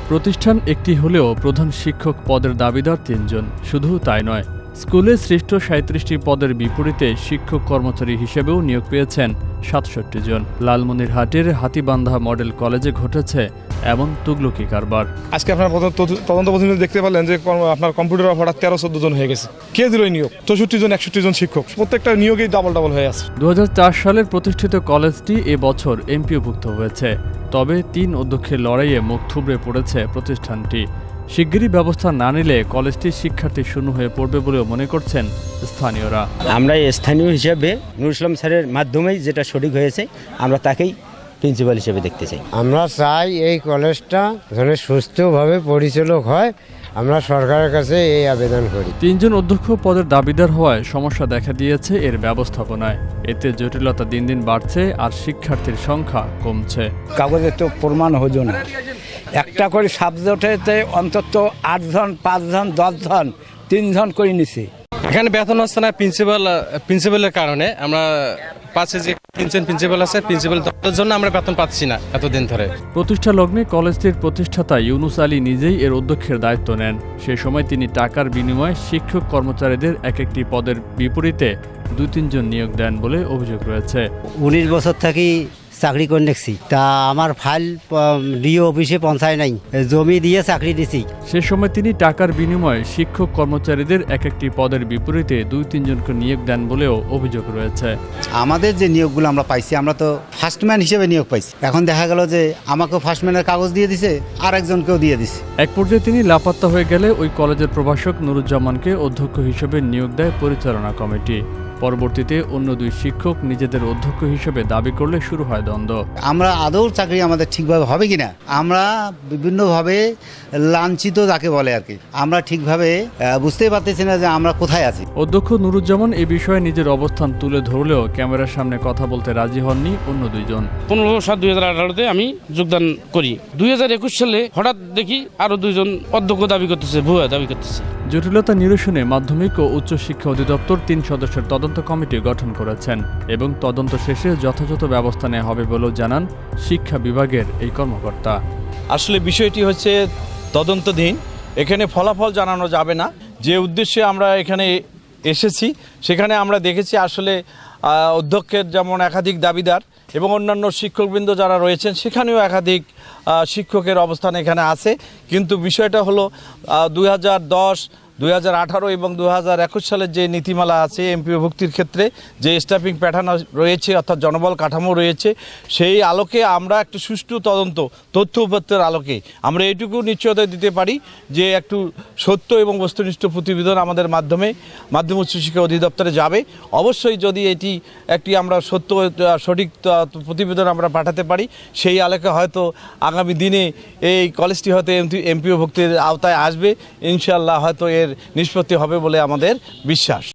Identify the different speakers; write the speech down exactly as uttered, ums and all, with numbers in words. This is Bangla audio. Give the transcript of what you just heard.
Speaker 1: প্রতিষ্ঠান একটি হলেও প্রধান শিক্ষক পদের দাবিদার তিনজন। শুধু তাই নয়, স্কুলে সৃষ্ট সাঁইত্রিশটি পদের বিপরীতে শিক্ষক কর্মচারী হিসেবেও নিয়োগ পেয়েছেন সাতষট্টি জন। লালমনিরহাটের হাতীবান্ধা মডেল কলেজে ঘটেছে এমন তুগলকি কারবার।
Speaker 2: আজকে আপনার তদন্ত প্রতিনিধি দেখতে পারলেন যে আপনার কম্পিউটার অপারেটর তেরো চোদ্দ জন হয়ে গেছে। কে দিল এই নিয়োগ? চৌষট্টি জন একষট্টি জন শিক্ষক, প্রত্যেকটা নিয়োগেই ডাবল ডাবল হয়ে আছে।
Speaker 1: দু হাজার চার সালের প্রতিষ্ঠিত কলেজটি এবছর এমপিওভুক্ত হয়েছে। তবে তিন অধ্যক্ষের লড়াইয়ে মুখ থুবড়ে পড়েছে প্রতিষ্ঠানটি। শিগগিরই ব্যবস্থা না নিলে কলেজটির শিক্ষার্থী শূন্য হয়ে পড়বে বলেও মনে করছেন স্থানীয়রা।
Speaker 3: আমরা স্থানীয় হিসেবে নুরুল ইসলাম স্যারের মাধ্যমেই যেটা সঠিক হয়েছে, আমরা তাকেই প্রিন্সিপাল হিসেবে দেখতে চাই।
Speaker 4: আমরা চাই এই কলেজটা যেন সুস্থভাবে পরিচালক হয়, আমরা সরকারের কাছে এই আবেদন করি।
Speaker 1: তিনজন অধ্যক্ষ পদের দাবিদার হওয়ায় সমস্যা দেখা দিয়েছে এর ব্যবস্থাপনায়। এতে জটিলতা দিন দিন বাড়ছে আর শিক্ষার্থীর সংখ্যা কমছে।
Speaker 5: কাগজে তো প্রমাণ হতো না, একটা করে সাবজেক্টে অন্তত আটজন পাঁচজন দশজন তিনজন করে নিছে।
Speaker 6: এখানে বেতন হচ্ছে না প্রিন্সিপাল প্রিন্সিপালের কারণে। আমরা পাশে যে তিনজন প্রিন্সিপাল আছে, প্রিন্সিপাল দপ্তরের জন্য আমরা বেতন পাচ্ছি না এতদিন ধরে।
Speaker 1: প্রতিষ্ঠা লগ্নে কলেজটির প্রতিষ্ঠাতা ইউনুস আলী নিজেই এর অধ্যক্ষের দায়িত্ব নেন। সে সময় তিনি টাকার বিনিময়ে শিক্ষক কর্মচারীদের এক একটি পদের বিপরীতে দুই তিনজন নিয়োগ দেন বলে অভিযোগ রয়েছে।
Speaker 7: উনিশ বছর থাকি চাকরি করে দেখছি, তা আমার ফাইল ডিও অফিসে পৌঁছায় নাই, জমি দিয়ে চাকরি দিছি।
Speaker 1: সে সময় তিনি টাকার বিনিময়ে শিক্ষক কর্মচারীদের এক একটি পদের বিপরীতে দুই তিনজনকে নিয়োগ দেন বলেও অভিযোগ রয়েছে।
Speaker 7: আমাদের যে নিয়োগগুলো আমরা পাইছি, আমরা তো ফার্স্টম্যান হিসেবে নিয়োগ পাইছি। এখন দেখা গেল যে আমাকেও ফার্স্টম্যানের কাগজ দিয়ে দিছে, আর একজনকেও দিয়ে দিছে।
Speaker 1: এক পর্যায়ে তিনি লাপাত্তা হয়ে গেলে ওই কলেজের প্রভাষক নুরুজ্জামানকে অধ্যক্ষ হিসেবে নিয়োগ দেয় পরিচালনা কমিটি। পরবর্তীতে অন্য দুই শিক্ষক নিজেদের অধ্যক্ষ হিসেবে দাবি করলে শুরু হয় দ্বন্দ্ব।
Speaker 7: আমরা আদৌ চাকরি আমাদের ঠিকভাবে হবে কিনা, আমরা বিভিন্নভাবে লাঞ্ছিত যাকে বলে আর কি, আমরা ঠিকভাবে বুঝতেই পারতেছি না যে আমরা কোথায় আছি।
Speaker 1: অধ্যক্ষ নুরুজ্জামান এই বিষয়ে নিজের অবস্থান তুলে ধরলেও ক্যামেরার সামনে কথা বলতে রাজি হননি অন্য দুইজন।
Speaker 8: পনেরো সাত দুই হাজার আঠারোতে আমি যোগদান করি। দুই হাজার একুশ সালে হঠাৎ দেখি আরো দুইজন অধ্যক্ষ দাবি করতেছে, ভুয়া দাবি করতেছে।
Speaker 1: জটিলতা নিরসনে মাধ্যমিক ও উচ্চ শিক্ষা অধিদপ্তর তিন সদস্যের তদন্ত কমিটি গঠন করেছেন এবং তদন্ত শেষে যথাযথ ব্যবস্থা নেওয়া হবে বলেও জানান শিক্ষা বিভাগের এই কর্মকর্তা।
Speaker 9: আসলে বিষয়টি হচ্ছে তদন্তধীন, এখানে ফলাফল জানানো যাবে না। যে উদ্দেশ্যে আমরা এখানে এসেছি সেখানে আমরা দেখেছি আসলে অধ্যক্ষের যেমন একাধিক দাবিদার এবং অন্যান্য শিক্ষকবৃন্দ যারা রয়েছেন সেখানেও একাধিক শিক্ষকের অবস্থান এখানে আছে। কিন্তু বিষয়টা হলো দুই হাজার দশ দুই হাজার আঠারো এবং দু হাজার একুশ সালের যে নীতিমালা আছে এমপিও ভুক্তির ক্ষেত্রে যে স্টাফিং প্যাটার্ন রয়েছে অর্থাৎ জনবল কাঠামো রয়েছে, সেই আলোকে আমরা একটু সুষ্ঠু তদন্ত তথ্য উপাত্তের আলোকে আমরা এইটুকু নিশ্চয়তা দিতে পারি যে একটু সত্য এবং বস্তুনিষ্ঠ প্রতিবেদন আমাদের মাধ্যমে মাধ্যমিক উচ্চ শিক্ষা অধিদপ্তরে যাবে। অবশ্যই যদি এটি একটি আমরা সত্য সঠিক প্রতিবেদন আমরা পাঠাতে পারি, সেই আলোকে হয়তো আগামী দিনে এই কলেজটি হয়তো এমপিও ভুক্তির আওতায় আসবে। ইনশাআল্লাহ হয়তো এর নিষ্পত্তি হবে বলে আমাদের বিশ্বাস।